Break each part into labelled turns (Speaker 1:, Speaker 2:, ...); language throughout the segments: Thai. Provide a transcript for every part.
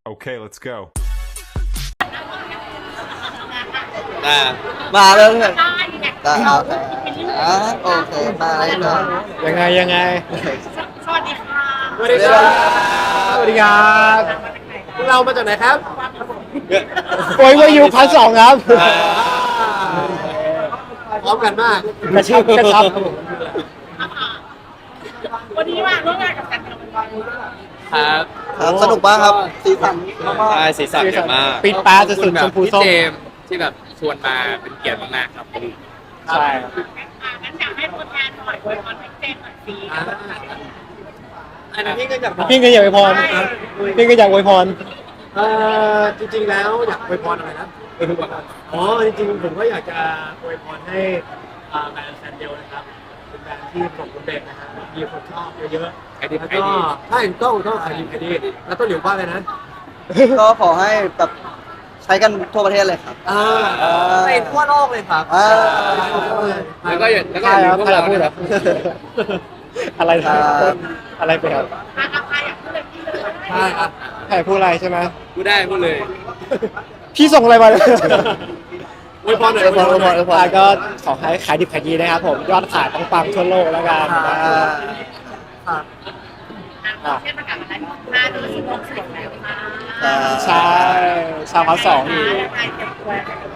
Speaker 1: Okay, let's go.
Speaker 2: อ่า
Speaker 3: มาเลยเพื่อนได้เอาโอเคมาเลยเพื่อน
Speaker 4: ยังไง
Speaker 5: สวัสดีค่ะ
Speaker 4: สวัสดีครับสวัสดีครับพวกเรามาจากไหนครับโอ้ยวายูพันสองครับพร้อมกันมากกระชับครับผม
Speaker 5: วันนี้มาร่วมงานกับกันเป็นวัน
Speaker 2: ครับ
Speaker 3: ครับสนุกมากครับสีสันมาก
Speaker 2: ใช่สีสันเยอะมาก
Speaker 4: ปิดปลาจะสุดชมพู
Speaker 2: พี่
Speaker 4: ส้ม
Speaker 2: เจมส์ที่แบบชวนมาเป็นเกียรติมากๆครับ
Speaker 4: ใช่
Speaker 5: งั้นอยากให้ตัวแทนหน่อยอวยพรให้เจมส์หน่อยสิ
Speaker 4: อันนั้นพี่ก็อยากอวยพรพี่ก็อยากอวยพรจริงๆแล้วอยากอวยพรอะไรนะอ๋อจริงๆผมก็อยากจะอวยพรให้แบรนด์แซนเดลนะครับเป็นแบรนด์ที่ประสบความสำเร็จนะฮะมีคนชอบเยอะๆ
Speaker 2: ไอดี
Speaker 4: แล้ว
Speaker 2: ไอ
Speaker 4: ก็
Speaker 2: ดี
Speaker 4: ใช่ต้องขายดีแล้วต้นหลิวว่าเลยนะ
Speaker 3: ก็ขอให้แบบใช้กันทั่วประเทศเลยครับ
Speaker 4: ไปทั่วโลกเลยครับ
Speaker 2: แล้วก็อย่าลืมพวกเรานะครับ
Speaker 4: อะไรนะอะไรไปครับ
Speaker 5: ใครอยากพูดเลยพี่เลย
Speaker 4: ใช่ครับใครพูดอะไรใช่ไหม
Speaker 2: พูดได้พูดเลย
Speaker 4: พี่ส่งอะไรมาเลย
Speaker 3: อวยพรหน่อยอวยพรอวยพรอวยพร
Speaker 4: ก็ขอให้ขายดิบขายดีนะครับผมยอดขายปังๆทั่วโลกแล้วกัน
Speaker 5: เช่นประกาศอะไรมาดูสิบหกสิบแล้วค่ะ
Speaker 4: ใช่ชาวพาร์ทสอง
Speaker 5: ยังไงเก็บตัว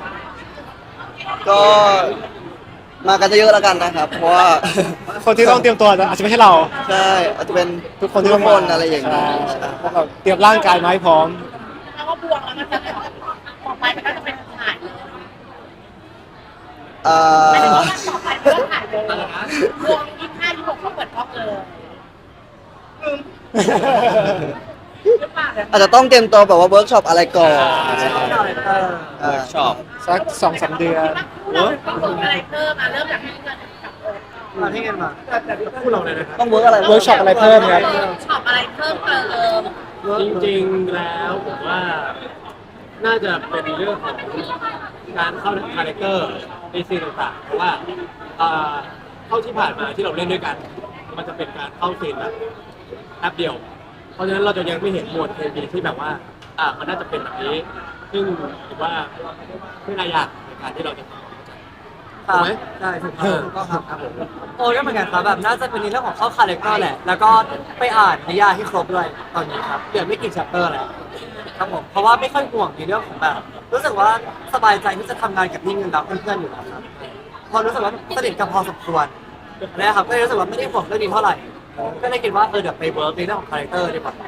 Speaker 3: ก็มากันเยอะๆแล้วกันนะครับ เพราะว่า
Speaker 4: คนที่ต้องเตรียมตัวอาจจะไม่ใช่เรา
Speaker 3: ใช่อาจจะเป็น
Speaker 4: ทุกคนที่ต้อง
Speaker 3: คนอะไรอย่างนี้
Speaker 4: ใช่พวกเราเตรียมร่างกายมาให้พร้อม
Speaker 5: แล้วก็บวกแล้วมันจะต่อไปมันก็จะเป็นถ่ายเลย หมายถึงว่าต่อไปมันก็ถ่ายเลยบวก25 26เขาเปิดกล้องเลยหรือเปล่าเนี่ย
Speaker 3: อาจจะต้องเตรียมตัวแบบว่าเวิร์กช็อปอะไรก่อน
Speaker 2: เวิร์กช็อป
Speaker 4: สัก2-3 เดือน
Speaker 5: เราต้องฝึกอะไรเพิ่มเริ่มจากที่เงินกับโอ๊ต
Speaker 4: มาที่เงินมาพูดเราเลยนะครับ
Speaker 3: ต้องเวิร์กอะไร
Speaker 4: เวิร์กช็อปอะไรเพิ่มครับ
Speaker 5: ช็อปอะไรเพิ่มเติม
Speaker 4: จริงๆแล้วผมว่าน่าจะเป็นเรื่องของการเข้าคาแรคเตอร์ในซีนต่างๆเพราะว่าเข้าที่ผ่านมาที่เราเล่นด้วยกัน มันจะเป็นการเข้าซีนแบบแป๊บเดียว เพราะฉะนั้นเราจะยังไม่เห็นหมวดเคมีที่แบบว่ามันน่าจะเป็นแบบนี้ ซึ่งถือว่าไม่น่ายากในการที่เราจะทำถูกไหมใช่ถูกต้องครับผม
Speaker 6: โอ้ยก็เหมือนกันครับแบบน่าจะเป็นในเรื่องของเข้าคาแรคเตอร์แหละ แล้วก็ไปอ่านนิยายให้ครบด้วยตอนนี้ครับเดี๋ยวไม่กี่ chapter แล้วครับผมเพราะว่าไม่ค่อยห่วงในเรื่องของแบบรู้สึกว่าสบายใจที่จะทำงานกับพี่เงินรับเพื่อนๆอยู่แล้วครับพอรู้สึกว่าสนิทกันพอสมควรนะครับก็เลยรู้สึกว่าไม่ได้ห่วงเรื่องนี้เท่าไหร่ก็เลยคิดว่าเดี๋ยวไปเวิร์กในเรื่องของคาแรคเตอร์ดีกว่า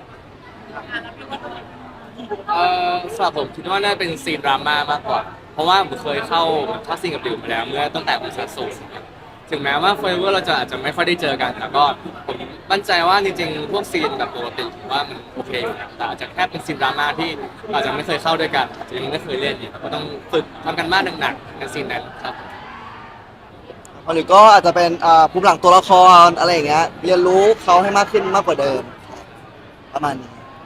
Speaker 2: สำหรับผมคิดว่าน่าเป็นซีนดราม่ามากกว่า เพราะว่าผมเคยเข้าซีนกับดิวมาแล้วเมื่อตั้งแต่ผมซัสโซถึงแม้ว่าเฟเวอร์เราจะอาจจะไม่ค่อยได้เจอกันแต่ก็ผมมั่นใจว่าจริงๆพวกซีนแบบปกติผมว่ามันโอเคอยู่นะแต่อาจจะแค่เป็นซีนดราม่าที่อาจจะไม่เคยเข้าด้วยกันยังไม่เคยเล่นเนี่ยก็ต้องฝึกทำกันบ้านหนักๆในซีนนั้นครับ
Speaker 3: หรือก็อาจจะเป็นภูมิหลังตัวละครอะไรอย่างเงี้ยเรียนรู้เขาให้มากขึ้นมากกว่าเดิมประมาณนี้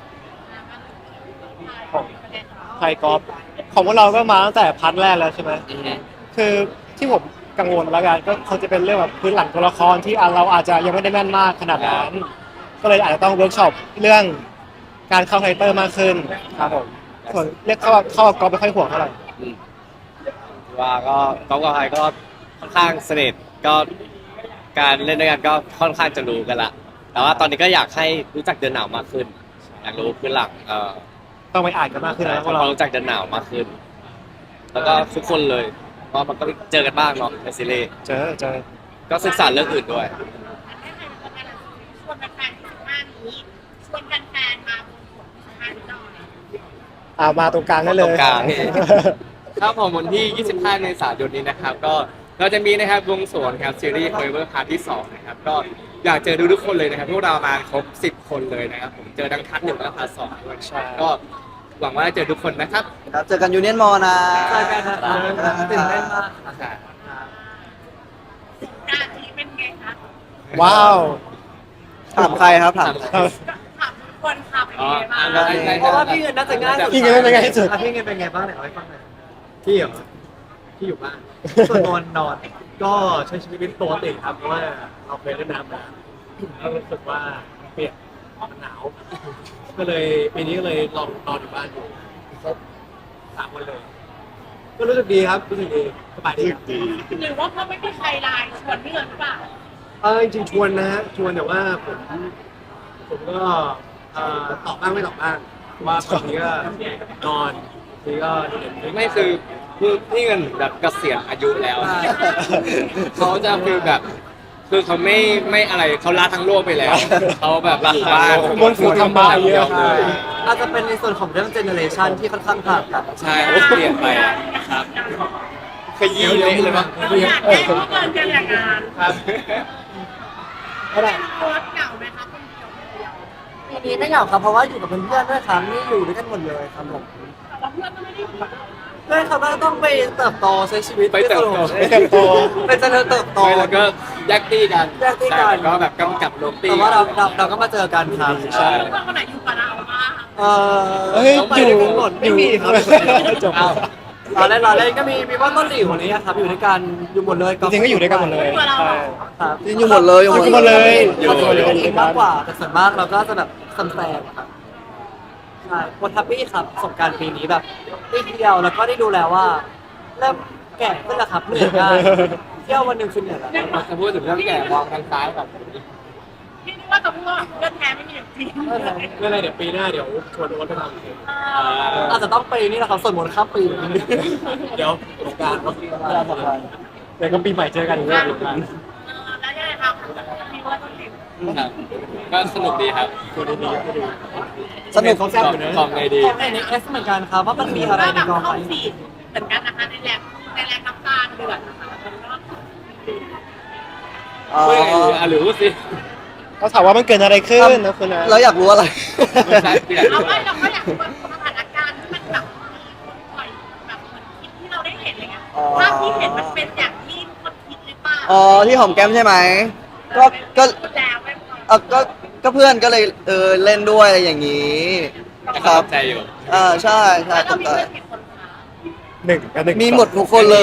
Speaker 4: ไทยกอล์ฟของพวกเราก็มาตั้งแต่พาร์ทแรกแล้วใช่ไหมคือที่ผมกังวลแล้วกันก็คงจะเป็นเรื่องแบบพื้นหลังตัวละครที่เราอาจจะยังไม่ได้แม่นมากขนาดนั้นก็เลยอาจจะต้องเวิร์กช็อปเรื่องการเข้าไทเตอร์มากขึ้นครับผมส่วนเรียกเข้ากอล์ฟไม่ค่อยห่วงเท่าไหร่
Speaker 2: ว่าก็ก๊อฟกับไฮก็ค่อนข้างสนิทก็การเล่นด้วยกันก็ค่อนข้างจะรู้กันละแต่ว่าตอนนี้ก็อยากให้รู้จักเดินหนาวมากขึ้นอยากรู้พื้นหลัง
Speaker 4: ต้องไปอ่านกันมากขึ้นนะพวก
Speaker 2: เรา
Speaker 4: เรา
Speaker 2: รู้จักเดินหนาวมากขึ้น แล้วก็ทุกคนเลยเพราะมันก็เจอกันบ้างเนาะในซีรีส์
Speaker 4: เจอ
Speaker 2: ก็ศึกษาเรื่องอื่นด้วย
Speaker 5: ชวนแฟนๆที่15นี้ชวนแฟนๆมาบนหัว15นี้หน่อย
Speaker 4: มาตรงกลางได้เลย
Speaker 2: ตรงกลาง ครับผมวันที่ 25 เมษายนนี้นะครับ ก็เราจะมีนะครับวงสวนครับซีรีส์ Forever Part ที่ 2 นะครับ ก็อยากเจอทุกคนเลยนะครับ พวกเรามาครบ 10 คนเลยนะครับ ผมเจอทั้งพาร์ท 1 และพาร์ท 2 ด้วย
Speaker 4: ใช่
Speaker 2: ก็หวังว่าจะเจอทุกคนนะครับ
Speaker 3: ครับเจอกันยูเนียนมอนะ
Speaker 6: เจอกันนะครับตื่นเต้นมาก
Speaker 5: การนี้เป็นไงคะ
Speaker 4: ว้าว
Speaker 3: ถามใครครับถามใคร
Speaker 5: ถามทุกคนค่ะเป็นไงบ้าง
Speaker 6: เพราะว่าพี่เงินน่าจะง่ายสุด
Speaker 4: พี่เงินเป็นไงที่สุด
Speaker 6: พี่เงินเป็นไงบ้างเนี่ยเอาให้ฟังหน่อย
Speaker 4: พี่เหรอพี่อยู่บ้านส่วนนอนก็ใช้ชีวิตปกติครับเพราะว่าเราเคยเล่นน้ำมาแล้วรู้สึกว่าเปียกมันหนาวก็เลยปีนี้ก็เลยลองนอนอยู่บ้านอยู่ครบ3 วันเลย ก็รู้สึกดีครับรู้สึกดีสบายดีครับ
Speaker 5: หรือว่าเขาไม่มีใครไลน์ชวนเพื่อนหรือเปล่า
Speaker 4: จริงๆชวนนะฮะชวนแต่ว่าผมก็ตอบบ้างไม่ตอบบ้างเพราะว่าบางทีก็นอนบางทีก็เด็น
Speaker 2: ไม่คือพี่เงินแบบเกษียณอายุแล้ว
Speaker 6: ใช่
Speaker 2: เขาจะฟีลแบบคือเขาไม่อะไรเขาละทั้งโลกไปแล้วเขาแบบอยู่บ้าน
Speaker 4: บนฝูทำบาปเยอะ
Speaker 2: เลย
Speaker 6: อาจจะเป็นในส่วนของเรื่องเจเนอเรชันที่ค่อนข้างต่างกัน
Speaker 2: ใช่เขาเปลี่ยนไปครับขยี้เละเลยมั้ง
Speaker 5: เราอยากได้เพื่อนกันอย่างงาน
Speaker 4: ครับ
Speaker 5: โค้ชเหงาไหมคะคนเดียว
Speaker 6: ปีนี้ไม่เหงาครับเพราะว่าอยู่กับเพื่อนๆด้วยครับนี่อยู่ด้วยกันหมดเลยครับผม
Speaker 5: แต่ว่าเพื่อนก็ไม่ได้อยู่กับเรา
Speaker 6: เพื่อนเขาก็ต้องไปเติบโตใช้ชีวิต
Speaker 2: ไปเติบโต
Speaker 6: ไปเติบโตไปเจริญเติบโต
Speaker 2: ไม่แล้วก็แยกตี้กัน
Speaker 6: แยกตี้กัน
Speaker 2: ใช่แล้วก็แบบกำกับลงตี้
Speaker 6: แต่ว่าเราก็มาเจอกันครับ
Speaker 2: ใช่
Speaker 5: เพื่อนคนไหนอยู่กับเราบ้าง
Speaker 6: เฮ้ยไปด้วยกันหมดไม่มีครับ
Speaker 1: จบ
Speaker 2: อ้าว
Speaker 6: เราเล่นก็มีว่าต้นหลิวคนนี้ครับอยู่ด้วยกันอยู่หมดเลย
Speaker 1: จริงๆก็อยู่ด้วยกันหมดเลย
Speaker 5: อยู่กับเรา
Speaker 1: ใช่
Speaker 6: ครับ
Speaker 3: จริงอยู่หมดเลย
Speaker 1: อยู่หมดเลย
Speaker 6: เขาจะอยู่ด้วยกันเองมากกว่าแต่ส่วนมากเราก็จะแบบซัมแซมครับใช่คนทัพปี้ครับประสบการณ์ปีนี้แบบได้เที่ยวแล้วก็ได้ดูแล้วว่าเริ่มแก่ขึ้นแล้วครับเหนื่อยง่ายเที่ยววันหนึ่งคือเหนื่อยแล้ว
Speaker 2: จะพูดถึงเรื่องแก่มองทางซ้ายแบบ
Speaker 5: พี่นึกว่าจะพูดว่าเพื่อนแท้ไม่มีอยู่จริง
Speaker 4: ไม่เป็นไรเดี๋ยวปีหน้าเดี๋ยวชวนโอ๊ตไปทำอีก
Speaker 6: อาจจะต้องไปนี่แหละครับส่วนมนต์ข้ามปี
Speaker 4: เดี๋ยวสงกรารเนาะ
Speaker 1: เดี๋ยวก็ปีใหม่เจอกันอีกรอบหนึ่งนะ
Speaker 5: แล้วยังไงครับมีว่าต้องติด
Speaker 2: ครับก็สนุกดีครับ
Speaker 1: ตัวดีๆก็ดี
Speaker 3: สนุก
Speaker 4: เขาแซ่บอยู่นะ
Speaker 2: ของไงดี
Speaker 6: ของในเอสเหมือนกันครับว่ามันมีอะไร
Speaker 5: ก็
Speaker 6: ใน
Speaker 5: แบบ
Speaker 6: กองไฟ
Speaker 5: เข้าฟีดเหมือนกันนะคะในแรงน้ำตาลเดือดนะคะแล้วก็
Speaker 3: อ๋อ
Speaker 2: พูดยังไงดีอ่ะหรือพูดสิ
Speaker 1: เขาถามว่ามันเกิดอะไรขึ้นนะคุณนะ
Speaker 3: เราอยากรู้อะไร
Speaker 2: ไม่ใช่ที่ไหน
Speaker 5: เราก็อยากรู้ว่าสถานการณ์ที่มันแบบมีคนปล่อยแบบเหมือนคลิปที่เราได้เห็นอะไรเงี้ยภาพที่เห็นมันเป็นอย่างที่ทุกคนคิดหรือเปล่า
Speaker 3: อ๋อที่หอมแก้มใช่ไหมก็
Speaker 5: พูดแล้วไม่พอ
Speaker 3: ก็เพื่อนก็เลยเล่นด้วยอะไรอย่างนี้
Speaker 2: แต่
Speaker 3: ค
Speaker 2: ก็
Speaker 3: รั
Speaker 2: ต
Speaker 3: บ
Speaker 2: กใจอยู่
Speaker 3: ใช่ใช่
Speaker 5: แล้ว
Speaker 3: ต
Speaker 5: เรา
Speaker 3: ก
Speaker 5: มี
Speaker 3: ใจ
Speaker 5: เพื่อนกี่คนคะ
Speaker 1: 1 กับ 1
Speaker 3: มีหมดทุกคนเลย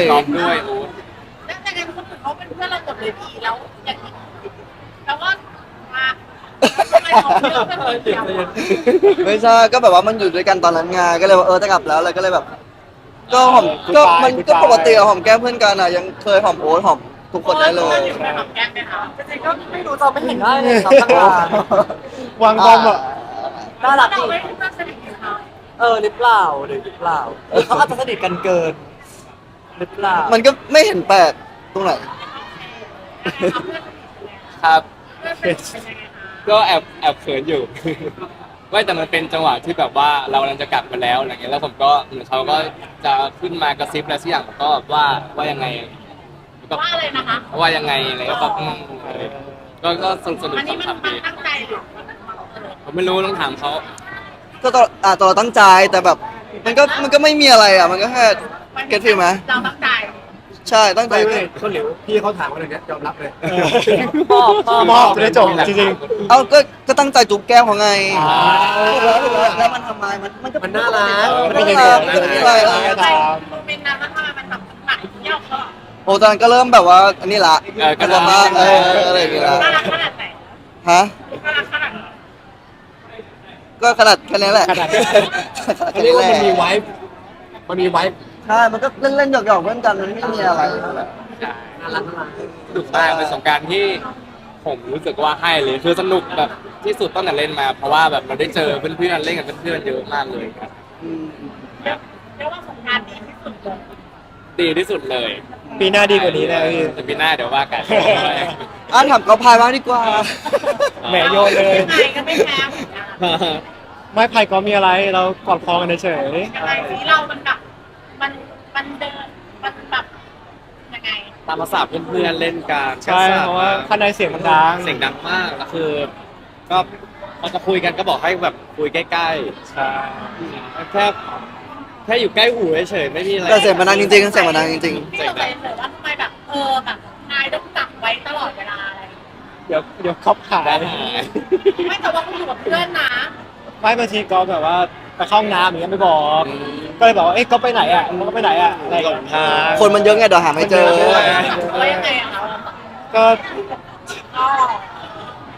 Speaker 2: ตอบด้วยโอ้
Speaker 5: แล้วแต่กันคนอื่นเขาเป็นเพื่อนเราหมดเลยดีแล้วอย่างนี้แล้วก็มาทำไมเขาเลือกเป็นคนเดียวอะ
Speaker 3: ไม่ใช่ก็แบบว่ามันอยู่ด้วยกันตอนนั้นไงก็เลยว่าจะกลับแล้วเลยก็เลยแบบ ก็หอมก็มันก็ปกติอะหอมแก้มเพื่อนกันอะยังเคยหอมโอ๊ตหอมทุกคนได้เลย
Speaker 5: อยู่ในหอมแก้มไหมคะ
Speaker 6: จริงๆก็ไม่รู้จะไม่เห็นได้เลยครับตั้งนาน
Speaker 1: วางบอมอ่ะ
Speaker 6: น่ารัก
Speaker 5: เรา
Speaker 6: ดี
Speaker 5: ไม่เพื่อนสนิทกันเขา
Speaker 6: หรือเปล่าหรือเปล่าหรือเขาอาจจะสนิทกันเกินหรือเปล่า
Speaker 3: มันก็ไม่เห็นแปลกตรงไหน
Speaker 5: เอาเพื่อนสนิทกันเลย
Speaker 2: ครับ
Speaker 5: เพื่อนสนิทเป็นยังไงคะ
Speaker 2: ก็แอบเขินอยู่ ไม่แต่มันเป็นจังหวะที่แบบว่าเรากำลังจะกลับมาแล้วอะไรเงี้ยแล้วผมก็เหมือนเขาก็จะขึ้นมากระซิบอะไรสักอย่างผมก็ว่ายังไงก็
Speaker 5: ว่าอะไรนะคะ
Speaker 2: ว่ายังไงอะไรก็แบบก็สนุก
Speaker 5: อันนี้มัน
Speaker 2: ขำๆดี
Speaker 5: ตั้งใจหรือ
Speaker 2: ผมไม่รู้ต้องถามเขา
Speaker 3: ก็ตอนเราตั้งใจแต่แบบ มันก็ไม่มีอะไรอ่ะมันก็แค่เก็ตฟีลไหม
Speaker 5: เราตั้งใจ
Speaker 3: ใช่ตั้งใจ
Speaker 4: ไม่ต้นหลิวพี่เขาถามอะไรเนี้ยยอมรับเลย
Speaker 1: มอบจะได้จบจริง
Speaker 3: เอาก็ตั้งใจจูบแก้มของไง
Speaker 1: อ่า
Speaker 3: แล้วมันทำไมมันก็
Speaker 4: มันน่ารัก
Speaker 3: มันน่ารักมันไม่มีอะไร
Speaker 5: ใจโมเมนต์นั้นแล้วทำไมมันแบบหนักเที่ยวเขา
Speaker 3: โอ้ตอนนั้นก็เริ่มแบบว่าอันนี้ละก็จะมาอะไรอย่างเงี้ยละ
Speaker 5: น่ารักขนาดไหน
Speaker 3: ฮะ
Speaker 5: น่ารักขนาดไหน
Speaker 3: ก็ขนาดแค่นี้แหละ
Speaker 1: ขนาดนี้
Speaker 4: เขาเรียกว่ามันมีไวฟ์มันมีไวฟ์
Speaker 3: ใช่มันก็เล่นๆหยอกๆเพื่อนกันมันไม่มีอะไร
Speaker 4: น่ารักน่ารัก
Speaker 2: สนุกมากเป็นสงกรารที่ผมรู้สึกว่าให้เลยคือสนุกแบบที่สุดตั้งแต่เล่นมา เพราะว่าแบบเราได้เจอเพื่อนๆเล่นกับเพื่อนๆเยอะมากเลยครับ
Speaker 5: เรียกว่าสงกรานต์ดีที่สุดเลย
Speaker 2: ดีที่สุดเลย
Speaker 1: ๆปีหน้าดีกว่านี้แน่พี่
Speaker 2: แต่ปีหน้าเดี๋ยวว่ากัน
Speaker 3: ถามกอล์ฟพายบ้างดีกว่า
Speaker 1: แหมโยนเลย
Speaker 5: ยังไงก็ไม่แพ้เหมือนกัน
Speaker 1: ไม่ไผ่ก็มีอะไรเรากอดคอกันเฉย
Speaker 5: ยังไงที่เรามันแบบมันเดินมันแบบยังไง
Speaker 2: ตามภาษาเพื่อนๆเล่นกัน
Speaker 1: ๆใช่เพราะว่าข้างในเสียงมันดัง
Speaker 2: เสียงดังมากแล้วคือ ก็พอจะคุยกันก็บอกให้แบบคุยใกล้
Speaker 1: ใช่
Speaker 2: ๆแค่อยู่ใกล้หูเฉยๆไม่มีอะไร
Speaker 3: แต่เสียงมันดังจริงๆเสียงมันดังจริง
Speaker 5: พี่สงสัยเลยว่าทำไมแบบแบบนายต้องจับไว้ตลอดเวลาอะไร
Speaker 1: เดี๋ยวครอบขาย
Speaker 2: ได้หาย
Speaker 5: ไม่แต่ว่าคุณอยู่กับเพื่อนนะ
Speaker 1: ไม่บางทีก็แบบว่าไปเข้าห้องน้ำอย่างเงี้ยไม่บอก ก็เลยบอกว่าเอ๊ะก็ไปไหนอ่ะมันก็ไปไหนอ่ะอะไรอย่างเงี้ย
Speaker 3: ๆคนมันเยอะไงเดี๋ยวหาไม่เจอ
Speaker 1: คนเยอะ
Speaker 5: จับไว้ยังไงอะคะ
Speaker 1: ก็
Speaker 5: ก็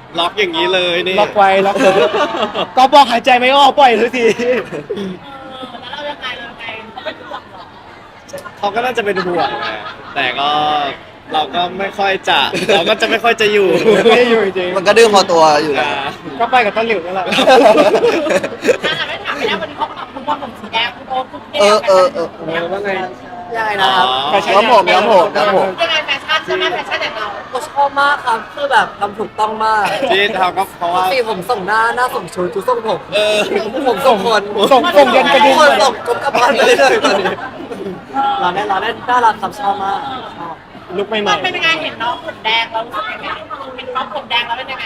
Speaker 7: ล็อกอย่างนี้เลยนี่
Speaker 1: ล็อกไว้ล็อกเลยก็บอกหายใจไม่ออกปล่อยเลยที
Speaker 5: แล้วเรายังไงเขาเป็นห่วงเหรอ
Speaker 7: เขาก็น่าจะเป็นห่วงนะแต่ก็เราก็ไม่ค่อยจะเราก็จะไม่ค่อยจะอยู่
Speaker 1: ไม่ได้อยู่จริง
Speaker 3: มันก็ดื้อพอตัวอยู่แล้ว
Speaker 1: ก็ไปกับต้นหลิวนั่นแหละ
Speaker 5: ถ้าเราไม่ถามไม่ได้วันนี้เขาบอกคุณว่าผมสีแดงคุณโอ๊ตคุณเท่
Speaker 1: ว่าไง
Speaker 6: ยังไงนะครับ
Speaker 1: แฟชั่น
Speaker 3: ครับผมครับผมครับผม
Speaker 5: ยังไงแฟชั่นใช่ไหมแฟชั่นอย่างเรา
Speaker 6: ผมชอบมากครับคือแบบทำถูกต้องมาก
Speaker 7: ที่ทำก็เพราะว่า
Speaker 6: สีผมส่งหน้าส่งชุดชุดส่งผมผมส่งคน
Speaker 1: ส่งยันกระดิ่ง
Speaker 6: คนส่งกลับบ้านไปเลยตอนนี้เราได้น่ารักครับชอบมากชอบ
Speaker 1: ลุกใหม่
Speaker 5: มันเป็นยังไงเห็นน้องผมแดงเรารู้สึกยังไงเป็นน้องผมแดงแล้วเป็นยังไง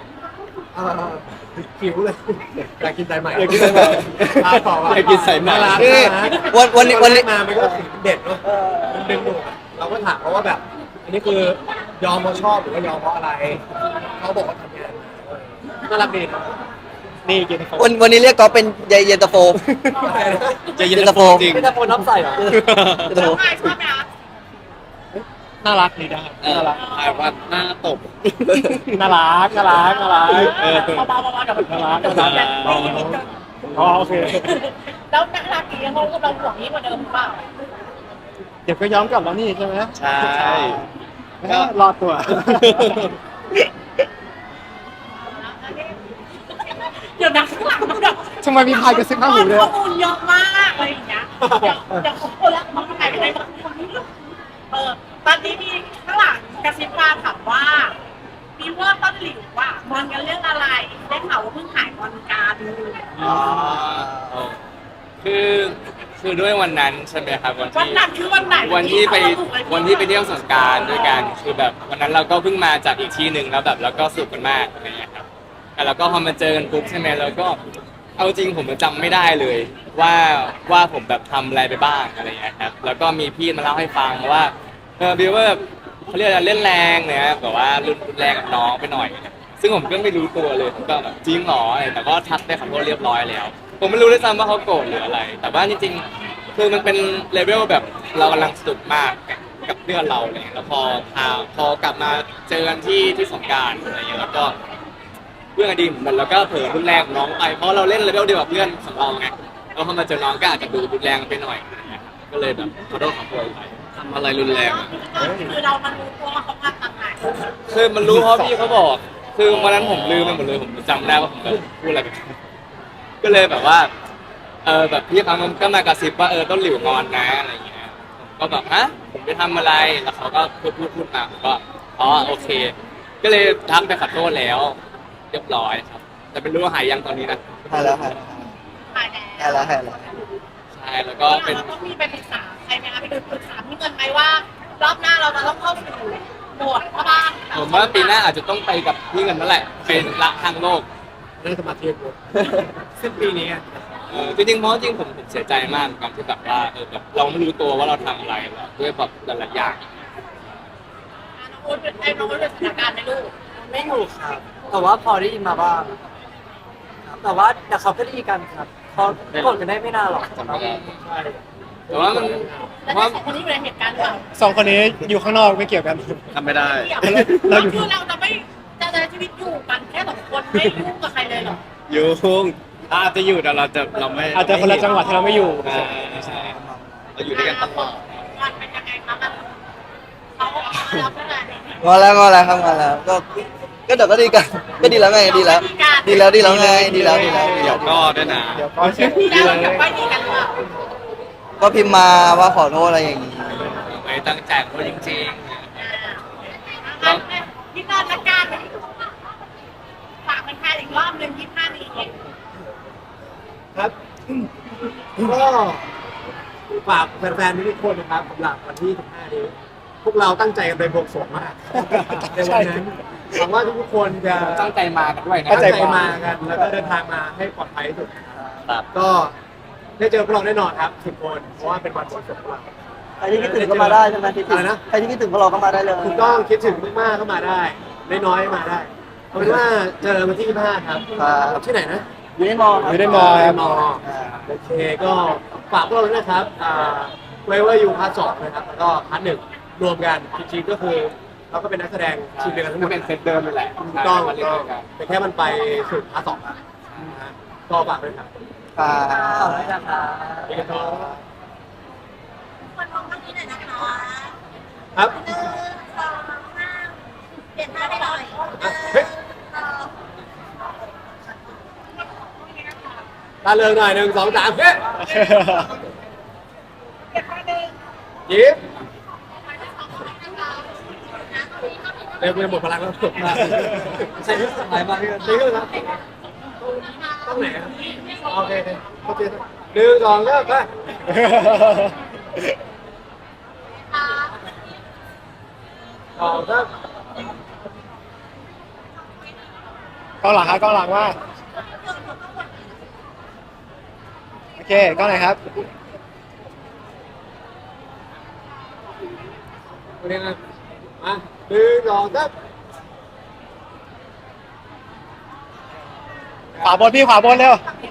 Speaker 4: หิวเลยอยากกินสายใหม่
Speaker 1: อยากกินสายใหม่
Speaker 4: ต่อว่ะ
Speaker 7: อยากกินสายใหม่
Speaker 4: น่ารัก
Speaker 3: นี่
Speaker 4: น่ารัก
Speaker 3: วันนี้
Speaker 4: ตอ
Speaker 3: วัน
Speaker 4: แร
Speaker 3: นี้
Speaker 4: กมามันก็สีเด็ดเนาะมันดึงดูดอะเราก็ถามเขาว่าแบบ อันนี้คือยอมเพราะชอบหรือว่ายอมเพราะอะไรเขาบอกว่าทำงานน่ารักดีนะ
Speaker 1: ๆนี่กินเขา
Speaker 3: วันนี้เรียกก๊อฟเป็นเย็นตาโฟ
Speaker 7: จะยิน
Speaker 3: เย็นตาโฟ
Speaker 7: จริง
Speaker 6: ไม่ได้โฟนน้ำใส่เหรอ
Speaker 3: เย็นตา
Speaker 5: ช
Speaker 3: โฟ
Speaker 5: อบไหมชอบไหมคะ
Speaker 1: น่ารักดีนะครับน่ารัก
Speaker 7: ถ่ายว่าหน้าตบ
Speaker 1: น่ารักน่ารักน่ารัก
Speaker 5: เบาๆเดี๋ยวมัน
Speaker 1: น่ารักน่ารัก อ๋อโอเค
Speaker 5: แล้วน่ารักดีเขาก็เราห่วงนี้กว่าเดิมหรือเปล่า
Speaker 1: เดี๋ยวก็ย้อมกลับแล้วนี่ใช่ไหม
Speaker 7: ใช่
Speaker 1: ก็รอดตัว
Speaker 5: เดี๋ยวนักข้างหลังมันแบบ
Speaker 1: ทำไมมีพายกระซิบข้างหูด้วย
Speaker 5: ข้อมูลเยอะมากอะไรอย่างเงี้ยเดี๋ยวผมคนละมันหายไปไหนบ้างคนนี้ตอนนี้มีข้างหลังกระซิบมาถามว่ามีว่าต้นหลิวว่างอนกันเรื่องอะไรได้ข่าวว่าเพิ่งหายงอนกัน
Speaker 2: คือคือด้วยวันนั้นใช่ไหมครับวัน
Speaker 5: วัน
Speaker 2: ที่
Speaker 5: นั้นคือวันไหน
Speaker 2: วันที่ไปเที่ยวสงกรารด้วยกันคือแบบวันนั้นเราก็เพิ่งมาจากอีกที่หนึ่งแล้วแบบเราก็สนุกกันมากอะไรอย่างเงี้ยครับแล้วก็พอมาเจอกันปุ๊บใช่ไหมเราก็เอาจริงผมจำไม่ได้เลยว่าผมแบบทำอะไรไปบ้างอะไรอย่างเงี้ยครับแล้วก็มีพี่มาเล่าให้ฟังว่าบิวว่าเขาเรียกอะไรเล่นแรงเนี่ยแบบว่ารุนแรงกับน้องไปหน่อย ซึ่งผมก็ไม่รู้ตัวเลยผมก็แบบจริงเหรออะไรแต่ก็ทักได้ขอโทษเรียบร้อยแล้ว ผมไม่รู้ด้วยซ้ำว่าเขาโกรธหรืออะไร แต่ว่าจริงๆคือมันเป็นเลเวลแบบเรากำลังสนุกมากกับเพื่อนเราอะไรเลยแล้วพอกลับมาเจอกันที่สงกรารอะไรอย่างเงี้ยแล้วก็เพื่อนอดีตเหมือนกันแล้วก็เผลอรุนแรงกับน้องไปเพราะเราเล่นเลเวลเดียวกับเพื่อนของเราไงแล้วพอมาเจอน้องก็อาจจะดูรุนแรงไปหน่อยอะไรเงี้ยก็เลยแบบขอโทษขอโพยไป
Speaker 7: ทำอะไรรุนแรงอะ
Speaker 5: คือเรามันรู้ตัวว่าเขาทำต่างหาก
Speaker 2: คือมันรู้เพราะพี่เขาบอก คือวันนั้นผมลืมไปหมดเลยผมจำได้ว่าผมแบบพูดอะไรไปก็เลยแบบว่าแบบพี่เขาก็มากระซิบว่าต้นหลิวงอนนะอะไรอย่างเงี้ยผมก็แบบฮะผมไปทำอะไรแล้วเขาก็พูดมาผมก็อ๋อโอเค ก็เลยทักไปขอโทษแล้วเรียบร้อยครับ แต่ไม่รู้ว่าหายยังตอนนี้นะ
Speaker 3: หายแล้วหาย
Speaker 5: หายแล้ว
Speaker 3: หายแล้ว
Speaker 2: ใช่แล้วก็เป็น
Speaker 5: เราต้องมีไปปรึกษาใครไหมคะไปดูปรึกษาพี่เงินไหมว่ารอบหน้าเราจะต้องเข้าสู่โหมดพ่อบ้าน
Speaker 2: ผมว่าปีหน้าอาจจะต้องไปกับพี่เงินนั่นแหละเป็นรักทางโลก
Speaker 4: นั่งสมาธิกูสิ้นปีนี้อะ
Speaker 2: จริงๆเพราะจริงผมเสียใจมากกับที่แบบว่าแบบเราไม่รู้ตัวว่าเราทำอะไรแบบด้วยแบบหลายๆอย่าง
Speaker 5: น้องอุ้นเป็นสถานการณ์ไหมลูก
Speaker 6: ไม่อยู่ครับ แต่ว่าพอได้ยินมาบ้างครับแต่ว่าเดี๋ยวเขาก็ดีกันครับเขากดกันได้ไม่นานหรอก
Speaker 2: จำไม่ได้
Speaker 4: ใช่
Speaker 2: แต่ว่ามัน
Speaker 5: แล้ว
Speaker 2: เพราะ
Speaker 5: สองคนนี้อยู่ในเหตุการณ์หรือเปล่า
Speaker 1: สองคนนี้อยู่ข้างนอกไม่เกี่ยวกัน
Speaker 7: ทำไม่ได้
Speaker 5: เราคือเราจะไม่จะใช้ชีวิตอยู่กันแค่สองคนไม่ยุ่งกับใครเลยหรอ
Speaker 7: ยุ่งอาจจะอยู่แต่เราไม่
Speaker 1: อาจจะคนละจังหวัดที่เราไม่อยู่
Speaker 7: ใช่เราอยู่ด้วยกันตลอด
Speaker 5: วันเป็นยังไงคะมันเขาเราเท่าไหร่
Speaker 3: งอนแล้วครับงอนแล้วก็เดี๋ยวก็ดีกันก็ดีแล้วไงดีแล้วไงดีแล้ว
Speaker 7: เดี๋
Speaker 3: ดีแล้ว
Speaker 7: ยวก็ด้วยนะ
Speaker 1: เดี๋ยวก็เช็ค
Speaker 5: ที่
Speaker 1: ดี
Speaker 5: แล้ว
Speaker 1: เลย
Speaker 5: กับไปดีกันหรือเปล่า
Speaker 3: ก็พิมพ์มาว่าขอโทษอะไรอย่างนี้
Speaker 2: ไม่ตั้งใจเพราะจริง
Speaker 5: พี่นอนละกันฝากเป็นใครอีกรอบหนึ่ง25นี้
Speaker 4: ครับ ก็ฝากแฟนๆทุกคนนะครับสำหรับวันที่15นี้พวกเราตั้งใจกันไปบวงสรวงมากในวันนั้นหวังว่าทุกคนจะ
Speaker 2: ๆตั้งใจมากันด้วยนะ
Speaker 4: ตั้งใจมากันแล้วก็เดินทางมาให้ปลอดภัยที่สุดนะครับ ก็ได้เจอพวกเราแน่นอนครับ10 คนเพราะว่าเป็นวันบวงสรวงของเรา
Speaker 3: ใครที่คิดถึงก็มาได้ใช่ไหมคิดถึง
Speaker 4: อะไรนะ
Speaker 3: ใครที่คิดถึงพวกเราก็มาได้เลย
Speaker 4: ถูกต้องคิดถึงมากๆก็มาได้น้อยๆมาได้เอาเป็นว่าเจอวันที่25ครับ
Speaker 3: ครับ
Speaker 4: ที่ไหนนะ
Speaker 3: อยู่ในมอครับ
Speaker 1: อยู่ในมอครับ
Speaker 4: มอโอเคก็ฝากพวกเราด้วยนะครับไว้ว่าอยู่พาร์ท 2นะครับแล้วก็พาร์ท 1รวมกันจริงๆก็คือเราก็เป็นนักแสดงทีมเดียวกันทั้งหม
Speaker 2: ก็
Speaker 4: ด
Speaker 2: เป็นเซตเดิมนี่แหละ
Speaker 4: ถูกต้อง
Speaker 2: มาเล่นด้วยกัน
Speaker 4: แต่แค่มันไปสู่พาร์ท 2แล้วนะฮะก็ฝากด้วยครับ
Speaker 3: อ่า
Speaker 6: ขอบคุณนะครับ
Speaker 4: นี่ก็
Speaker 5: คนมองข้างนี้หน่อยนะคะ
Speaker 4: ครับ
Speaker 5: 1 2 3เปลี่ยนท่าให้หน่อย
Speaker 4: เฮ้ย ตาเริงหน่อย1 2 3เฮ้ย
Speaker 5: เปลี่ยนท่าหนึ่ง
Speaker 4: ยิ้มเร็วหมดพลังแล้ว
Speaker 6: ใช้ที่สุดท้ายมากที่สุด
Speaker 4: นี่ก็ครับต้องไหนครับโอเคโอเค1 2เริ่มไปต่อครับ
Speaker 1: กล้องหลังครับกล้องหลังว่าโอเคกล้องไหนครับ
Speaker 4: โอเคนะมา1 2 3
Speaker 1: ขวาบนพี่ขวาบนเร็ว
Speaker 5: ฝั่งนี้